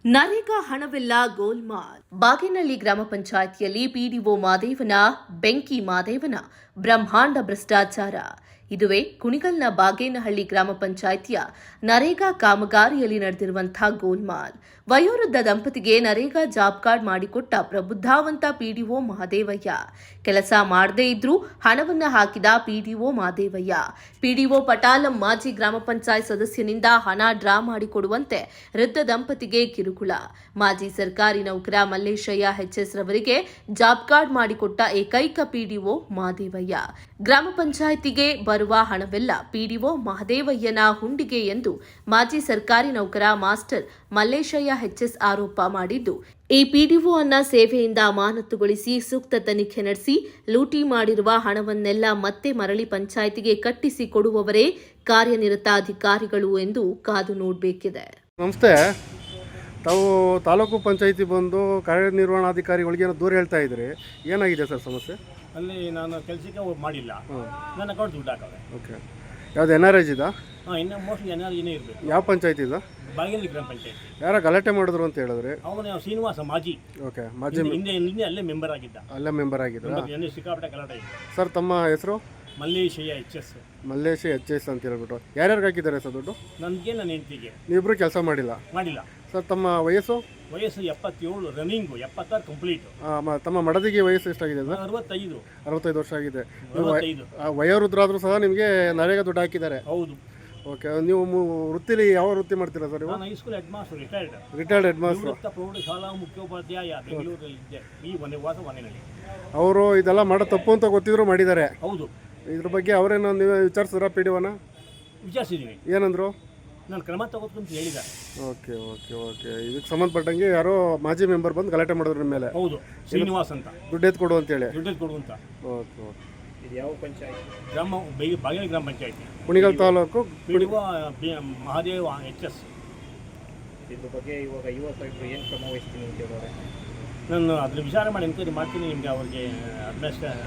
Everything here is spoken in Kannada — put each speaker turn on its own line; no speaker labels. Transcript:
ನರೇಗಾ ಹಣವೆಲ್ಲ ಗೋಲ್ಮಾಲ್. ಬಾಗೇನಹಳ್ಳಿ ಗ್ರಾಮ ಪಂಚಾಯಿತಿಯಲ್ಲಿ ಪಿಡಿಒ ಮಾದೇವನ ಬೆಂಕಿ ಮಾದೇವನ ಬ್ರಹ್ಮಾಂಡ ಭ್ರಷ್ಟಾಚಾರ. ಇದುವೇ ಕುಣಿಗಲ್ನ ಬಾಗೇನಹಳ್ಳಿ ಗ್ರಾಮ ಪಂಚಾಯಿತಿಯ ನರೇಗಾ ಕಾಮಗಾರಿಯಲ್ಲಿ ನಡೆದಿರುವಂತಹ ಗೋಲ್ಮಾಲ್. ವಯೋವೃದ್ಧ ದಂಪತಿಗೆ ನರೇಗಾ ಜಾಬ್ ಕಾರ್ಡ್ ಮಾಡಿಕೊಟ್ಟ ಪ್ರಬುದ್ಧಾವಂತ ಪಿಡಿಒ ಮಹದೇವಯ್ಯ. ಕೆಲಸ ಮಾಡದೇ ಇದ್ರೂ ಹಣವನ್ನ ಹಾಕಿದ ಪಿಡಿಒ ಮಹದೇವಯ್ಯ. ಪಿಡಿಒ ಪಟಾಲಂ ಮಾಜಿ ಗ್ರಾಮ ಪಂಚಾಯತ್ ಸದಸ್ಯನಿಂದ ಹಣ ಡ್ರಾ ಮಾಡಿಕೊಡುವಂತೆ ವೃದ್ಧ ದಂಪತಿಗೆ ಕಿರುಕುಳ. ಮಾಜಿ ಸರ್ಕಾರಿ ನೌಕರ ಮಲ್ಲೇಶಯ್ಯ ಎಚ್ಎಸ್ ರವರಿಗೆ ಜಾಬ್ ಕಾರ್ಡ್ ಮಾಡಿಕೊಟ್ಟ ಏಕೈಕ ಪಿಡಿಒ ಮಹದೇವಯ್ಯ. ಗ್ರಾಮ ಪಂಚಾಯಿತಿಗೆ ಬರುವ ಹಣವೆಲ್ಲ ಪಿಡಿಒ ಮಹದೇವಯ್ಯನ ಹುಂಡಿಗೆ ಎಂದು ಮಾಜಿ ಸರ್ಕಾರಿ ನೌಕರ ಮಾಸ್ಟರ್ ಮಲ್ಲೇಶಯ್ಯ ಎಚ್ಎಸ್ ಆರೋಪ ಮಾಡಿದ್ದು, ಈ ಪಿಡಿಒ ಅನ್ನ ಸೇವೆಯಿಂದ ಅಮಾನತುಗೊಳಿಸಿ ಸೂಕ್ತ ತನಿಖೆ ನಡೆಸಿ ಲೂಟಿ ಮಾಡಿರುವ ಹಣವನ್ನೆಲ್ಲ ಮತ್ತೆ ಮರಳಿ ಪಂಚಾಯಿತಿಗೆ ಕಟ್ಟಿಸಿ ಕೊಡುವವರೇ ಕಾರ್ಯನಿರತ ಅಧಿಕಾರಿಗಳು ಎಂದು ಕಾದು ನೋಡಬೇಕಿದೆ.
ನಮಸ್ತೆ. ತಾವು ತಾಲೂಕು ಪಂಚಾಯಿತಿ ಬಂದು ಕಾರ್ಯನಿರ್ವಹಣಾಧಿಕಾರಿಗಳಿಗೆ ದೂರ ಹೇಳ್ತಾ ಇದ್ರಿ, ಏನಾಗಿದೆ ಸರ್ ಸಮಸ್ಯೆ?
ಅಲ್ಲಿ ನಾನು ಕೆಲಸಕ್ಕೆ ಮಾಡಿಲ್ಲ, ನನ್ನ ಅಕೌಂಟ್ ದುಡ್ಡು ಹಾಕವೆ.
ಓಕೆ, ಯಾವ್ದು NRS ಇದಾ?
ಇನ್ನು ಮೋಸ್ಟ್ಲಿ NRS ಇರಬೇಕು.
ಯಾವ ಪಂಚಾಯಿತಿ ಇದೆ?
ಬಾಗೇನಹಳ್ಳಿ ಗ್ರಾಮ ಪಂಚಾಯತಿ.
ಯಾರ ಗಲಾಟೆ ಮಾಡಿದ್ರು ಅಂತ ಹೇಳಿದ್ರಿ?
ಅವನು ಶ್ರೀನಿವಾಸ ಮಾಜಿ.
ಓಕೆ, ಮಾಜಿ
ಹಿಂದೆ ಅಲ್ಲೇ ಮೆಂಬರ್ ಆಗಿದ್ದ.
ಅಲ್ಲೇ ಮೆಂಬರ್ ಆಗಿದ್ರಾ?
ಸಿಕ್ಕಾಪಟ್ಟೆ ಗಲಾಟೆ ಇದೆ.
ಸರ್, ತಮ್ಮ ಹೆಸರು?
ಮಲ್ಲೇಶಯ್ಯ ಎಚ್ಎಸ್.
ಮಲ್ಲೇಶಯ್ಯ ಎಚ್ಎಸ್ ಅಂತ ಹೇಳ್ಬಿಟ್ಟು ಯಾರ್ಯಾರಿಗೆ ಹಾಕಿದ್ದಾರೆ ಸರ್ ದುಡ್ಡು?
ನನಗೆ ನನ್ನ ಹೆಂಡತಿಗೆ.
ನೀವಿಬ್ರು ಕೆಲಸ ಮಾಡಿಲ್ಲ? ಸರ್, ತಮ್ಮ ವಯಸ್ಸು?
77 ರನ್ನಿಂಗು, 76 ಕಂಪ್ಲೀಟ್.
ತಮ್ಮ ಮಡದಿಗೆ ವಯಸ್ಸು ಎಷ್ಟಾಗಿದೆ ಸರ್? 65 ವರ್ಷ ಆಗಿದೆ. ವಯೋವೃದ್ಧರಾದ್ರೂ ಸಹ ನಿಮಗೆ ನರೇಗಾ ದುಡ್ಡು ಹಾಕಿದ್ದಾರೆ?
ಹೌದು.
ಓಕೆ, ನೀವು ವೃತ್ತಿಲಿ ಯಾವ ವೃತ್ತಿ ಮಾಡ್ತೀರಾ ಸರ್?
ನಾನು high school head master,
retired head master.
ಪ್ರೌಢಶಾಲಾ ಮುಖ್ಯೋಪಾಧ್ಯಾಯ, ಬೆಂಗಳೂರಲ್ಲಿದ್ದೆ. ಈ ಮನೆಯಲ್ಲಿ
ಅವರು ಇದೆಲ್ಲ ಮಾಡೋ ತಪ್ಪು ಅಂತ ಗೊತ್ತಿದ್ರು ಮಾಡಿದ್ದಾರೆ?
ಹೌದು.
ಇದ್ರ ಬಗ್ಗೆ ಅವರೇನೋ ನೀವು ವಿಚಾರಿಸಿದ್ರಾ ಪಿಡಿಒನ?
ವಿಚಾರಿಸಿದ್ದೀನಿ.
ಏನಂದ್ರು?
ನಾನು ಕ್ರಮ ತಗೋತೀನಿ ಹೇಳಿದ.
ಓಕೆ ಓಕೆ ಓಕೆ ಇದಕ್ಕೆ ಸಂಬಂಧಪಟ್ಟಂಗೆ ಯಾರೋ ಮಾಜಿ ಮೆಂಬರ್ ಬಂದು ಗಲಾಟೆ ಮಾಡಿದ್ರು ನಿಮ್ಮ ಮೇಲೆ?
ಹೌದು, ಶ್ರೀನಿವಾಸ್ ಅಂತ.
ದುಡ್ಡು ಎತ್ತು ಕೊಡು ಅಂತೇಳಿ?
ದುಡ್ಡು ಕೊಡು ಅಂತ.
Okay okay.
ಇದು ಯಾವ ಪಂಚಾಯತಿ? ಬಾಗೇನಹಳ್ಳಿ ಗ್ರಾಮ ಪಂಚಾಯತಿ,
ಕುಣಿಗಲ್ ತಾಲೂಕು.
PDO Mahadeva H S.
ಇದ್ರ ಬಗ್ಗೆ ಇವಾಗ ಯುವ ಸಾಹೇಬರು ಏನು ಕ್ರಮ ವಹಿಸ್ತೀನಿ ಅಂತ ಹೇಳೋರೆ?
ನಾನು ಅದ್ರ ವಿಚಾರ ಮಾಡಿ ಎನ್ಕ್ವೈರಿ ಮಾಡ್ತೀನಿ. ನಿಮಗೆ ಅವ್ರಿಗೆ ಅಡ್ರೆಸ್